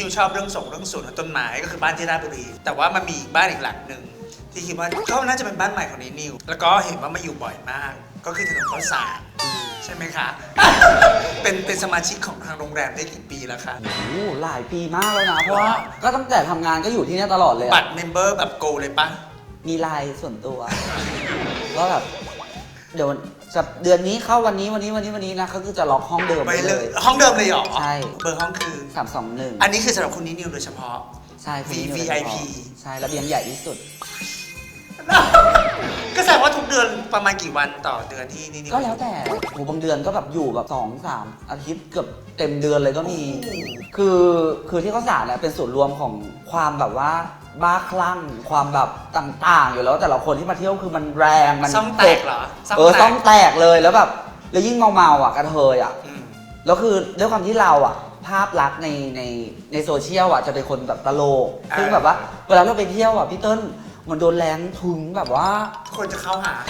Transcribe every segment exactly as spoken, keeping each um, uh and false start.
ชอบเรื่องส่งเรื่องสวนต้นไม้ก็คือบ้านที่ราชบุรีแต่ว่ามันมีบ้านอีกหลังหนึ่งที่คิดว่าก็น่าจะเป็นบ้านใหม่ของนิวแล้วก็เห็นว่ามาอยู่บ่อยมากก็คือถนนข้าวสารใช่ไหมคะ เป็นเป็นสมาชิกของทางโรงแรมได้กี่ปีแล้วคะโอ้โหหลายปีมากแล้วนะเพราะว่าก็ตั้งแต่ทำงานก็อยู่ที่นี่ตลอดเลยบัตรเมมเบอร์แบบโกเลยปะมีไลน์ส่วนตัวก็แบบเดี๋ยวจะเดือนนี้เข้าวันนี้วันนี้วันนี้วันนี้นะเขาคือจะล็อกห้องเดิมไปเลยห้องเดิมเลยเหรอใช่เบอร์ห้องคือสามสองหนึ่งอันนี้คือสำหรับคุณนิวโดยเฉพาะใช่วี วี ไอ พีใช่ระเบียงใหญ่ที่สุดก็แสดงว่าทุกเดือนประมาณกี่วันต่อเดือนที่นี่ก็แล้วแต่โหบางเดือนก็แบบอยู่แบบสองสามอาทิตย์เกือบเต็มเดือนเลยก็มีคือคือที่เขาสารเนี่ยเป็นส่วนรวมของความแบบว่าบ้าคลั่งความแบบต่างๆอยู่แล้วแต่ละคนที่มาเที่ยวคือมันแรงมันซ่องแตกเหรอเออซ่องแตกเลยแล้วแบบแล้วยิ่งเมาๆอ่ะกระเทยอ่ะแล้วคือด้วยความที่เราอ่ะภาพลักษณ์ในในในโซเชียลอ่ะจะเป็นคนแบบตลกซึ่งแบบว่าเวลาเราไปเที่ยวอ่ะพี่เติ้ลมันโดนแรงทุงแบบว่าคนจะเข้าหา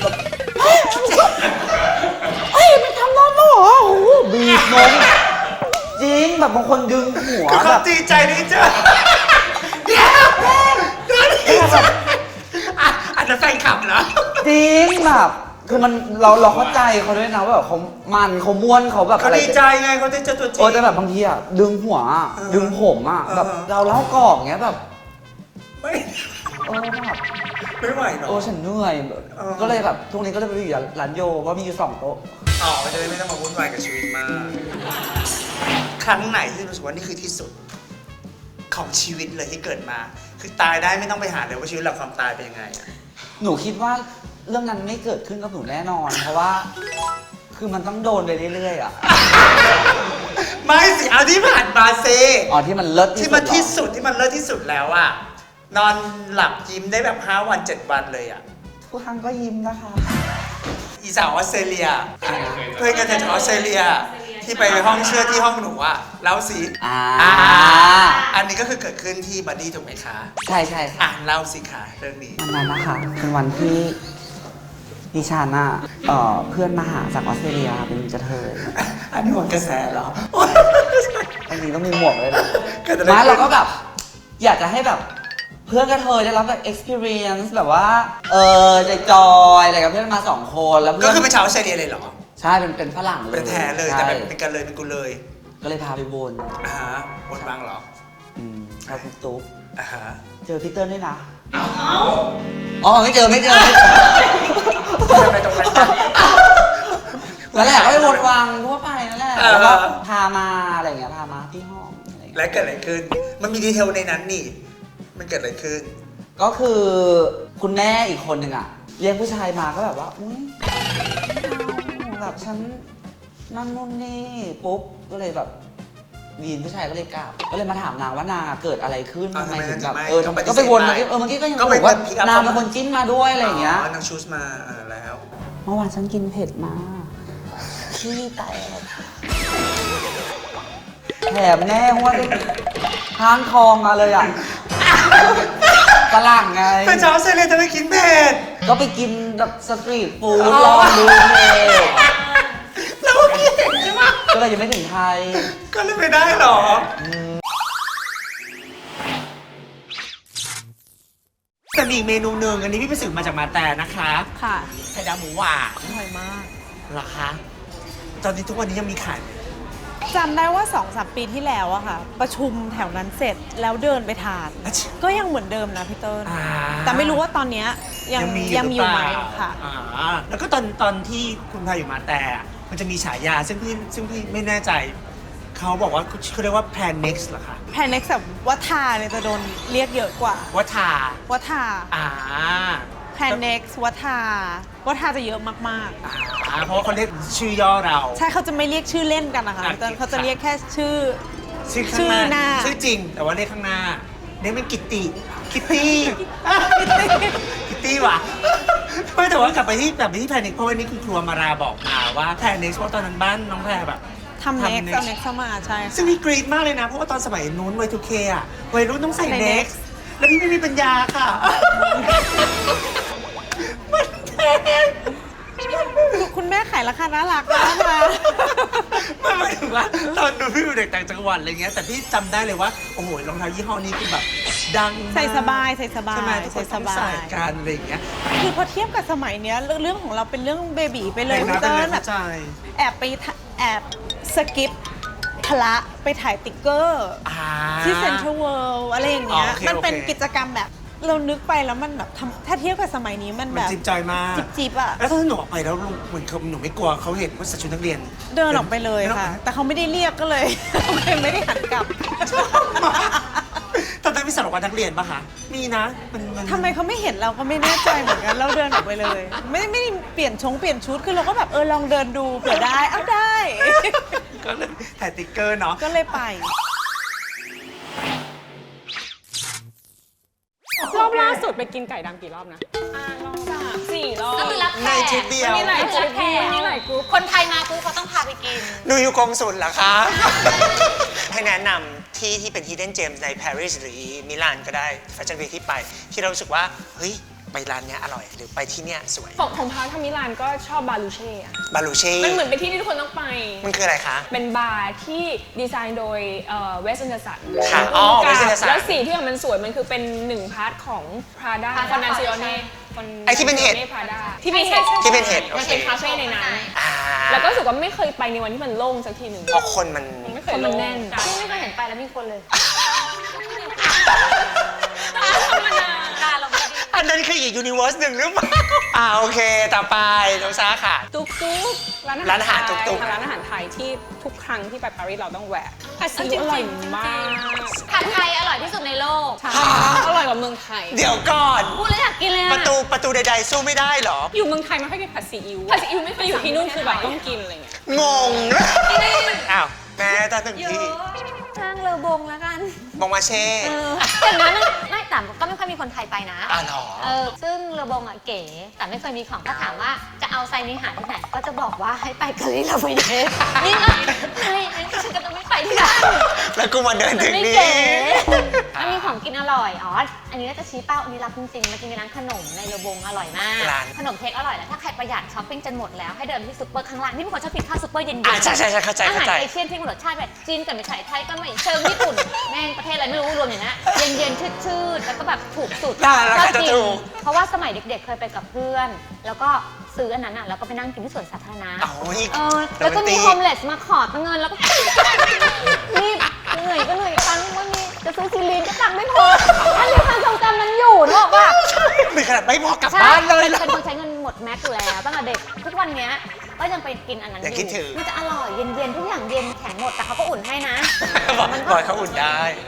เฮ้ยไม่ทำน้องหรอโอ้โหบีบนมจริงแบบบางคนดึงหัวแบบดีใจนี่เจอเดี๋ยวเดี๋ยวแบบอันนั้นแฟนคลับเหรอจริงแบบคือมันเราเราเข้าใจเขาด้วยนะว่าแบบเขามันเขาม้วนเขาแบบเขาดีใจไงเขาได้เจอตัวจริงโอ้แต่แบบบางทีอ่ะดึงหัวดึงผมอ่ะแบบเราเล่ากอกเงี้ยแบบไม่โอ้แบบไม่ไหวเนาะโอ้ฉันเหนื่อยก็เลยแบบทุกนี้ก็เลยไปอยู่ร้านโยเพราะมีอยู่สองโต๊ะอ๋อจะได้ไม่ต้องมาวุ่นวายกับชีวิตมากครั้งไหนที่รู้สึกว่านี่คือที่สุดของชีวิตเลยที่เกิดมาคือตายได้ไม่ต้องไปหาเลยว่าชีวิตหลังความตายเป็นยังไงหนูคิดว่าเรื่องนั้นไม่เกิดขึ้นกับหนูแน่นอนเพราะว่าคือมันต้องโดนไปเรื่อยๆอ่ะไม่สิเอาที่ผ่านมาเซอ๋อที่มันเลิศที่มันที่สุดที่มันเลิศที่สุดแล้วอ่ะนอนหลับยิ้มได้แบบห้าวันเจ็ดวันเลยอ่ะทุกครั้งก็ยิ้มนะคะอีสาวออสเตรเลียเพื่อนกันจากออสเตรเลียที่ไปห้องเชื่อที่ห้องหนูอ่ะเล่าสิอ่าอันนี้ก็คือเกิดขึ้นที่บัดดี้ถูกไหมคะใช่ใช่อ่ะเล่าสิค่ะเรื่องนี้วันนั้นนะคะเป็นวันที่ดิฉันอ่ะเอ่อเพื่อนมาหาจากออสเตรเลียเป็นกระเทยอันนี้หมดกระแสเหรออันนี้ต้องมีหมวกเลยนะมาเราก็แบบอยากจะให้แบบเพื่อนกระเทยได้รับแบบ experience แบบว่าเออใจจอยอะไรกับเพื่อนมาสองคนแล้วก็คือเป็นชาวออสเตรเลียเลยเหรอใช่เป็นเป็นฝรั่งเลยเป็นแท้เลยแต่เป็นกันเลยเป็นกูเลยก็เลยพาไปวนอ่าฮะวนบางเหรออืมพาคุณตุ๊กอ่าฮะเจอพี่เติ้ลด้วยนะอ๋อไม่เจอไม่เจอไปตรงนั้นแล้วแหละก็ไปวนวังทั่วไปนั่นแหละแล้วก็พามาอะไรเงี้ยพามาที่ห้องและเกิดอะไรขึ้นมันมีดีเทลในนั้นนี่มันเกิดอะไรขึ้นก็คือคุณแม่อีกคนหนึ่งอะเลี้ยงผู้ชายมาก็แบบว่าอุ้ยแบบฉันนั่นนู่นนี่ปุ๊บก็เลยแบบวีนผู้ชายก็เลยกลับก็เลยมาถามนางว่านางเกิดอะไรขึ้นทำไมถึงแบบเออก็ไปวนเมื่อกี้เออเมื่อกี้ก็ยังบอกว่านางเป็นคนจิ้นมาด้วยอะไรอย่างเงี้ยนางชูสมาแล้วเมื่อวานฉันกินเผ็ดมาขี้แตกแถมแน่ว่าห้างทองมาเลยอ่ะฝรั่งไงเป็นชาวออสเตรเลียจะไปกินเผ็ดก็ไปกินแบบสตรีทฟู้ดลองดูเผ็ดแล้วก็กินใช่ไหมก็เลยยังไม่ถึงไทยก็เลยไม่ได้หรอแต่มีอีกเมนูหนึ่งอันนี้พี่ไปสืบมาจากมาแต่นะคะค่ะไข่ดาวหมูหวานอร่อยมากเหรอคะตอนนี้ทุกวันนี้ยังมีขายจำได้ว่า สองสาม ปีที่แล้วอะค่ะประชุมแถวนั้นเสร็จแล้วเดินไปทานก็ยังเหมือนเดิมนะพี่เติ้ลแต่ไม่รู้ว่าตอนนี้ยังยังมีอยู่ไหมค่ะแล้วก็ตอนตอนที่คุณพายอยู่มาแต่มันจะมีฉายาซึ่งพี่ซึ่งพี่ไม่แน่ใจเขาบอกว่าเขาเรียกว่า Plan Next เหรอคะ Plan Next แบบวัฒนาเนี่ยจะโดนเรียกเยอะกว่าวัฒนาวัฒนาอ่า Plan Next วัฒนาวัฒนาจะเยอะมากๆอ่าเพราะว่าเขาเรียกชื่อย่อเราใช่เขาจะไม่เรียกชื่อเล่นกันนะคะพี่เติ้ลเขาจะเรียกแค่ชื่อชื่อหน้าชื่อจริงแต่ว่าเรียกข้างหน้าเรียกเป็นกิตติคิตตี้คิตตี้ว่ะไม่แต่ว่ากลับไปที่กลับไปที่แพนเน็กเพราะวันนี้คุณครัวมาราบอกมาว่าแพนเน็กเพราะตอนนั้นบ้านน้องแพรแบบทำเน็กเอาเน็กเข้ามาใช่ซึ่งมีกรีดมากเลยนะเพราะว่าตอนสมัยนู้นวัยทูเคอะวัยรุ่นต้องใส่เน็กแล้วพี่ไม่มีปัญญาค่ะคุณแม่ขายราคาน่ารักนะนะไม่หมายถึงว่าตอนดูพี่อยู่เด็กต่างจังหวัดอะไรเงี้ยแต่พี่จำได้เลยว่าโอ้โหรองเท้ายี่ห้อนี้คือแบบดังมากใส่สบายใส่สบายใช่ไหมทุกคนใส่ต้สองบาใส่ยกันอะไรอย่างเงี้ยคือพอเทียบกับสมัยเนี้ยเรื่องเรื่องของเราเป็นเรื่องเบบีไปเลยนะพี่เติ้ลเป็นแบเข้าบใจแอบไปถ่าแอบสกิปพละไปถ่ายติ๊กเกอร์อ่าที่เซ็นทรัลเวิลด์อะไรอย่างเงี้ยอ๋อโอเคมันเป็นโอเคกิจกรรมแบบเรานึกไปแล้วมันแบบทำถ้าเทียบกับสมัยนี้มันมัแบนบจิ๊บจอยมากจิบจิบๆอะแล้วถ้าหนูออกไปแล้วเหมือนเขาหนูไม่กลัวเขาเห็นว่าใส่ชุดนักเรียนเดินออกไปเลยค่ะ แต่เขาไม่ได้เรียกก็เลย โอเคไม่ได้หันกลับตอนนั้นมีสารวัตรนักเรียนปะคะมีนะมันมันทำไมเขาไม่เห็นเราก็ไม่แน่ใจเหมือนกันเราเดินออกไปเลย ไม่ไม่ได้เปลี่ยนชงเปลี่ยนชุดคือเราก็แบบเออลองเดินดูเผื่อได้อ้าวได้ก็เลยถ่ายติ๊กเกอร์เนาะก็เลยไปรอบล่าสุดไปกินไก่ดำกี่รอบนะสามสี่รอบก็คือรับแขในกทริปเดียวมีหลายทริปมีหลายกรุ๊ปคนไทยมาปุ๊บเขาต้องพาไปกินหนูอยู่กองสุลเหรอคะ ให้แนะนำที่ที่เป็น Hidden Gems ในปารีสหรือมิลานก็ได้แฟชั่นวีคที่ไป ที่เรารู้สึกว่า เฮ้ย ไปร้านเนี้ยอร่อย หรือไปที่เนี้ยสวยของของพาร์ทามิลานก็ชอบบาลูเช่อะบาลูเช่มันเหมือนเป็นที่ที่ทุกคนต้องไปมันคืออะไรคะเป็นบาร์ที่ดีไซน์โดยเวสต์ a อนเดอร์สันค่ะอ๋อ Wes Anderson แล้วสีที่มันสวยมันคือเป็นหนึ่งพาร์ทของ Prada Prada คอนนาซิโอเน่ไอ้ที่เป็นเห็ด Prada ที่เป็นเห็ดที่เป็นเห็ดโอมันเคเป็นคาเฟ่ในนั้นอ่าแล้วก็รู้สึกว่าไม่เคยไปในวันที่มันโล่งสักทีหนึ่งเพราะคนมันมันไม่เคยโล่งคนมันแน่นพี่ไม่เคยเห็นไปแล้วมีคนเลยธรรมดาตาเราไม่ดีอันนั้นคืออีกยูนิเวอร์สหนึ่งหรือเปล่า อ่าโอเค ต่อไปน้องซาค่ะตุ๊กตุ๊กร้านอาหารตุ๊กตุ๊กร้านอาหารไทยที่ทุกครั้งที่ไปปารีสเราต้องแวะผัดซีอิ๊วอร่อยมากผัดไทยอร่อยที่สุดในโลกใช่อร่อยกว่าเมืองไทยเดี๋ยวก่อนพูดแล้วอยากกินเลยปอะระตูประตูใดๆสู้ไม่ได้เหรออยู่เมืองไทยไม่ค่อยกินผัดซีอิ๊วผัดซีอิ๊วไม่เคยอยู่ที่นู่นคือแบบต้องกินอะไรเงี้ยงง อ้าว แม่ตาถึงที่ช่างเลอบงแล้วกันมองมาเช่เออแต่นั้นน่ะไม่แต่ก็ไม่ค่อยมีคนไทยไปนะอ่ะเหรอเออซึ่งเลอบงอ่ะเก๋ แต่ไม่เคยมีของถ้าถามว่าจะเอาไซนี้หาที่ไหน ก็จะบอกว่าให้ไปกะลีลาฟิเดสนี่ก็ใช่ฉันก็จะไม่ไปที่นั่นแล้วกูมาเดินถึงไม่นี่เก๋มันมีของกินอร่อย อ๋อ อันนี้ก็จะชี้เป้า อันนี้รับจริงๆมันจะมีร้านขนมในเลอบงอร่อยมากร้านขนมเค้กอร่อยแล้ว ถ้าใครประหยัดช้อปปิ้งจนหมดแล้ว ให้เดินที่ซุปเปอร์ข้างล่าง นี่เป็นคนชอบกินข้าวซุปเปอร์เย็นๆอ่ะใช่ใช่ใช่เข้าใจอาเข้าหารใจเอเชียนที่มันรสชาติแบบจีนกับไม่ใช่ไทยก็ไม่เชิงญี่ปุ่น แม่งประเทศอะไรไม่รู้รวมอย่างนี้เย็นๆ ชืดๆ แล้วก็แบบถูกสุดได้แล้วใครจะชอบกินถูกเพราะว่าสมัยเด็กๆ เคยไปกับเพื่อน แล้วก็ซื้ออันนั้นอ่ะ แล้วก็ไปนั่งกินที่สวนสาธารณะโอ้ยเออแล้วก็มีโฮมเลสมาขอตังเงินแล้วก็ รีบเหนื่อยก็เหนื่อยตังค์ไม่มีจะซื้อซีรีนก็ตังค์ไม่พออันนี้ความทรงจำนั้นอยู่นึกออกป่ะมีขนาดไม่พอกลับใช่บ้านเลยเป็นนะเป็นคนใช้เงินหมดแม็กซ์อยู่แล้วตั้งแต่เด็กทุกวันเนี้ยก็ยังไปกินอันนั้นอยังคิดถึงมันจะอร่อยเย็นๆทุกอย่างเย็นแข็งหมดแต่เขาก็อุ่นให้นะบอกมันบอกให้เขาอุ่นได้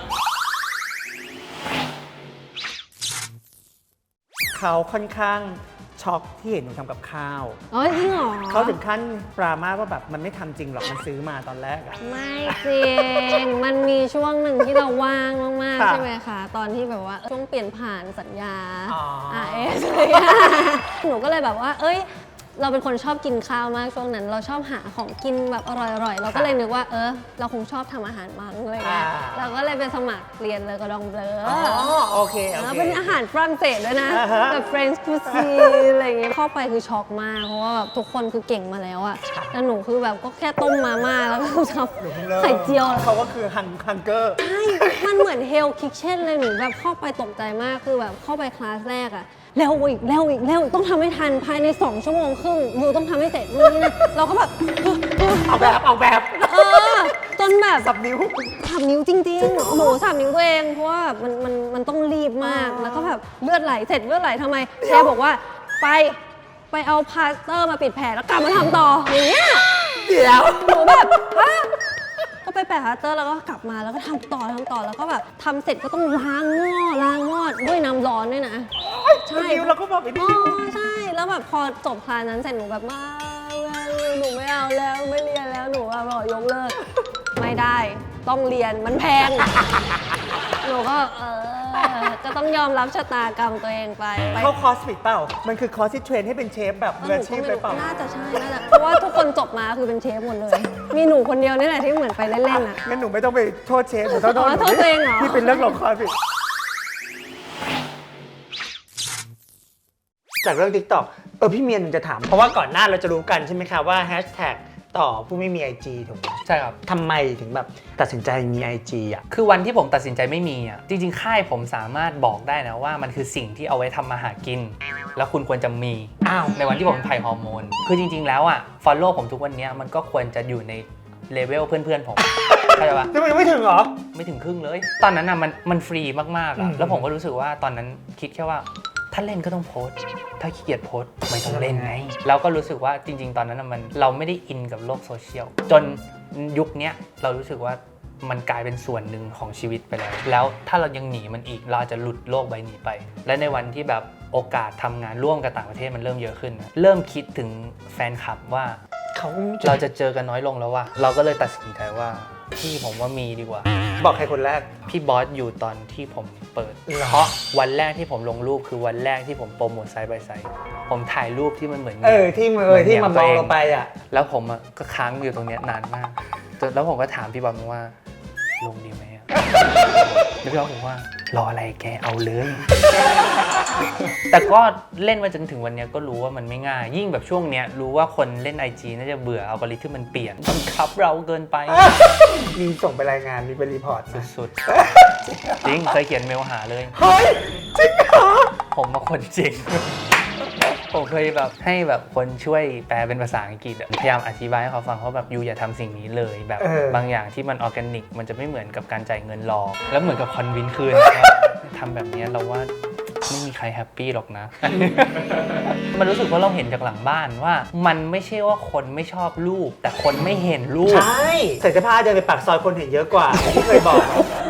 เขาค่อนข้างช็อกที่เห็นหนูทำกับข้าวอ๋อจริงเหรอเขาถึงขั้นปรามาสว่าแบบมันไม่ทำจริงหรอก มันซื้อมาตอนแรกอะไม่จริง มันมีช่วงหนึ่งที่เราว่างมากๆค่ะใช่ไหมคะ ตอนที่แบบว่าช่วงเปลี่ยนผ่านสัญญาอ๋ออาร์เอสอะไรอย่างเงี้ยหนูก็เลยแบบว่า เอ้ย เราเป็นคนชอบกินข้าวมากช่วงนั้น เราชอบหาของกินแบบอร่อยๆ เราก็เลยนึกว่า เออ เราคงชอบทำอาหารมั้งอะไรเงี้ยอ่าเราก็เลยไปสมัครเรียนเลยกระดองเบลออ๋อโอเค โอแล้วเคเป็นอาหารฝรั่งเศสด้วยนะอ่าฮะแบบ French cuisine อะไรอย่างเงี้ยเข้าไปคือช็อกมาก เพราะว่าแบบทุกคนคือเก่งมาแล้วอะแล้วหนูคือแบบก็แค่ต้มมาม่าแล้วก็ทำไข่เจียวเขาก็คือฮังฮังเกอร์ใช่ มันเหมือนเฮลคิ t เช่นเลยหนูแบบเข้าไปตกใจมากคือแบบเข้าไปคลาสแรกอะเร็วอีกเร็วอีกเร็วอีกต้องทำให้ทันภายในสองชั่วโมงครึ่งอยู่ต้องทำให้เสร็จนู่นนี่นั่นเราก็แบบเออเออเอาแบบเอาแบบเออจนแบบสับนิ้วสับนิ้วจริงๆ หนูสับนิ้วตัวเองเพราะว่ามันมันมันต้องรีบมาก แล้วก็แบบเลือดไหลเสร็จเลือดไหลทำไมแชร์บอกว่าไปไปเอาพลาสเตอร์มาปิดแผลแล้วกลับมาทำต่ออย่างเงี้ยเดี๋ยวหนูแบบฮะก็ไปแปะพลาสเตอร์แล้วก็กลับมาแล้วก็ทำต่อทำต่อแล้วก็แบบทำเสร็จก็ต้องล้างหม้อล้างหม้อด้วยน้ำร้อนด้วยนะ ใช่นิ้วเราก็บอกไปดิอ๋อใช่ แล้วแบบพอจบคลาสนั้นเสร็จหนูแบบมาหนูไม่เอาแล้วไม่เรียนแล้วหนูอะบอกยกเลิก ไม่ได้ต้องเรียนมันแพง หนูก็เออก็ต้องยอมรับชะตากรรมตัวเองไปไปเข้าคอร์สผิดเปล่า มันคือคอร์สที่เทรนให้เป็นเชฟแบบเอมืออหนูอาชีก็พไม่เลยรู้เปล่าน่าจะใช่น่าจะเพราะว่าทุกคนจบมาคือเป็นเชฟหมดเลย มีหนูคนเดียวนี่แหละที่เหมือนไปเล่นๆอ่ะงั้นหนูไม่ต้องไปโทษเชฟหนูต้องโทษอ๋อโทษตัวเองเหรอที่เป็นเรื่องลงคอร์สผิดตจากเรื่อง TikTok เออพี่เมียนจะถาม เพราะว่าก่อนหน้าเราจะรู้กันใช่ไหมคะว่าแฮชแท็กต่อผู้ไม่มี ไอ จี ถูกไหมใช่ครับทำไมถึงแบบตัดสินใจมี ไอ จี อ่ะคือวันที่ผมตัดสินใจไม่มีอ่ะจริงๆค่ายผมสามารถบอกได้นะว่ามันคือสิ่งที่เอาไว้ทำมาหากิน แล้วคุณควรจะมีอ้าวในวันที่ผมเป็นไผ่ฮอร์โมนคือจริงๆแล้วอ่ะ follow ผมทุกวันนี้มันก็ควรจะอยู่ในเลเวลเพื่อนๆผมเข้าใจปะแล้วมันยังไม่ถึงเหรอไม่ถึงครึ่งเลย ตอนนั้นอ่ะมันมันฟรีมากๆอือ่ะมแล้วผมก็รู้สึกว่าตอนนั้นคิดแค่ว่าถ้าเล่นก็ต้องโพสต์ถ้าขี้เกียจโพสต์ไม่ต้องเล่นไงแล้วก็รู้สึกว่าจริง ๆ ตอนนั้นอะมันเราไม่ได้อินกับโลกโซเชียลจนยุคเนี้ยเรารู้สึกว่ามันกลายเป็นส่วนหนึ่งของชีวิตไปแล้วแล้วถ้าเรายังหนีมันอีกเราอาจจะหลุดโลกใบนี้ไป และในวันที่แบบโอกาสทำงานร่วมกับต่างประเทศมันเริ่มเยอะขึ้นนะเริ่มคิดถึงแฟนคลับว่าเขาเราจะเจอกันน้อยลงแล้วว่ะเราก็เลยตัดสินใจว่าพี่ผมว่ามีดีกว่าบอกใครคนแรกพี่บอสอยู่ตอนที่ผมเปิดเหรอเพราะวันแรกที่ผมลงรูปคือวันแรกที่ผมโปรโมทไซด์บายไซด์ผมถ่ายรูปที่มันเหมือนเออที่มือที่มันมองเราไปอ่ะแล้วผมอะก็ค้างอยู่ตรงเนี้ยนานมากจนแล้วผมก็ถามพี่บอสว่าลงดีไหมอะแล้วพี่บอสบอกว่ารออะไรแกเอาเลย แต่ก็เล่นมาจนถึงวันเนี้ยก็รู้ว่ามันไม่ง่าย ยิ่งแบบช่วงเนี้ยรู้ว่าคนเล่น ไอ จี น่าจะเบื่ออัลกอริทึมมันเปลี่ยนบังคับเราเกินไปมีส่งไปรายงานมีไปรีพอร์ตนะสุดๆ จริงเคยเขียนเมลหาเลยเฮ้ยจริงเหรอผมมาคนจริง ผมเคยแบบให้แบบคนช่วยแปลเป็นภาษาอังกฤษอะพยายามอธิบายให้เขาฟังเขาแบบยูอย่าทำสิ่งนี้เลยแบบเออบางอย่างที่มันออร์แกนิกมันจะไม่เหมือนกับการจ่ายเงินรอ แล้วเหมือนกับคอนวินคืนทำแบบนี้เราว่าไม่มีใครแฮปปี้หรอกนะ มันรู้สึกว่าเราเห็นจากหลังบ้านว่า มันไม่ใช่ว่าคนไม่ชอบรูปแต่คนไม่เห็นรูปใช่ใส่เสื้อผ้าเดินไปปากซอยคนเห็นเยอะกว่าที่เคยบอกอะ